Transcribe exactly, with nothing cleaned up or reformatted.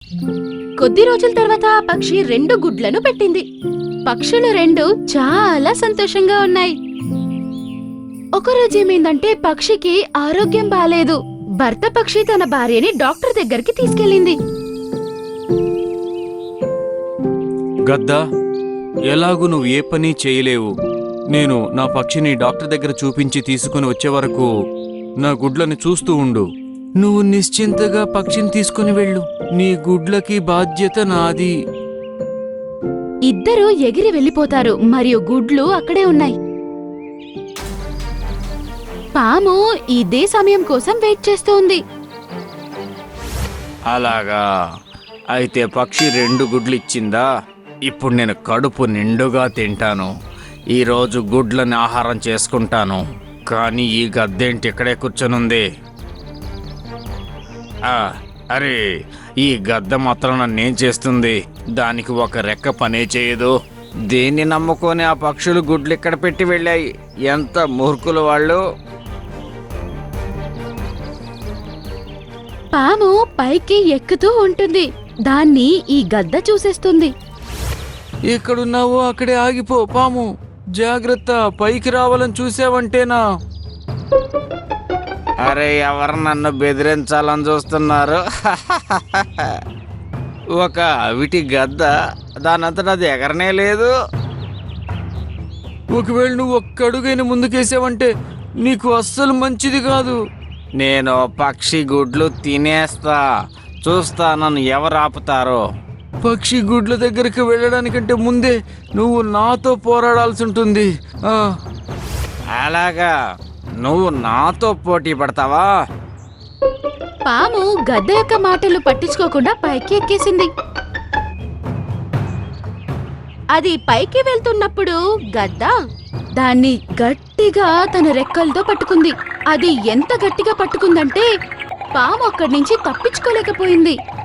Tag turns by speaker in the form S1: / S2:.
S1: కొద్ది రోజుల తర్వాత ఆ పక్షి రెండు గుడ్లను పెట్టింది. పక్షులు రెండు చాలా సంతోషంగా ఉన్నాయి. ఒకరోజు ఏమైందంటే పక్షికి ఆరోగ్యం బాలేదు. భర్త పక్షి తన భార్యని డాక్టర్ దగ్గరికి తీసుకెళ్ళింది.
S2: గద్దా, ఎలాగూ నువ్వు ఏ పని చేయలేవు. నేను నా పక్షిని డాక్టర్ దగ్గర చూపించి తీసుకుని వచ్చే వరకు నా గుడ్లని చూస్తూ ఉండు. నువ్వు నిశ్చింతగా పక్షిని తీసుకుని వెళ్ళు. నీ గుడ్లకి బాధ్యత నాది.
S1: ఇద్దరూ ఎగిరి వెళ్ళిపోతారు మరియు గుడ్లు అక్కడే ఉన్నాయి. పాము ఇదే సమయం కోసం వెయిట్ చేస్తోంది.
S2: అలాగా, అయితే పక్షి రెండు గుడ్లు ఇచ్చిందా? ఇప్పుడు నేను కడుపు నిండుగా తింటాను. ఈరోజు గుడ్లని ఆహారం చేసుకుంటాను. కానీ ఈ గద్దేంటి ఇక్కడే కూర్చొనుంది? ఆ, అరే, ఈ గద్ద మాత్రం నన్నేం చేస్తుంది? దానికి ఒక రెక్క పనే చేయదు. దేన్ని నమ్ముకొని ఆ పక్షులు గుడ్లు ఇక్కడ పెట్టి వెళ్ళాయి? ఎంత మూర్ఖులు వాళ్ళు!
S1: పాము పైకి ఎక్కుతూ ఉంటుంది. దాన్ని ఈ గద్ద చూసేస్తుంది.
S2: ఎక్కడున్నావో అక్కడే ఆగిపో పాము. జాగ్రత్త, పైకి రావాలని చూసావంటేనా? అరే, ఎవరు నన్ను బెదిరించాలని చూస్తున్నారు? ఒక అవిటి గద్ద దానంతటా అది ఎగరనే లేదు. ఒకవేళ నువ్వు ఒక్క అడుగైన ముందుకేసావంటే నీకు అస్సలు మంచిది కాదు. నేను పక్షి గుడ్లు తినేస్తా. చూస్తా నన్ను ఎవరు ఆపుతారో. పక్షి గుడ్ల దగ్గరికి వెళ్ళడానికంటే ముందే నువ్వు నాతో పోరాడాల్సి ఉంటుంది. అలాగా, నువ్వు నాతో పోటీ పడతావా?
S1: పాము గద్ద యొక్క మాటలు పట్టించుకోకుండా పైకి ఎక్కేసింది. అది పైకి వెళ్తున్నప్పుడు గద్ద దాన్ని గట్టిగా తన రెక్కలతో పట్టుకుంది. అది ఎంత గట్టిగా పట్టుకుందంటే పాము అక్కడి నుంచి తప్పించుకోలేకపోయింది.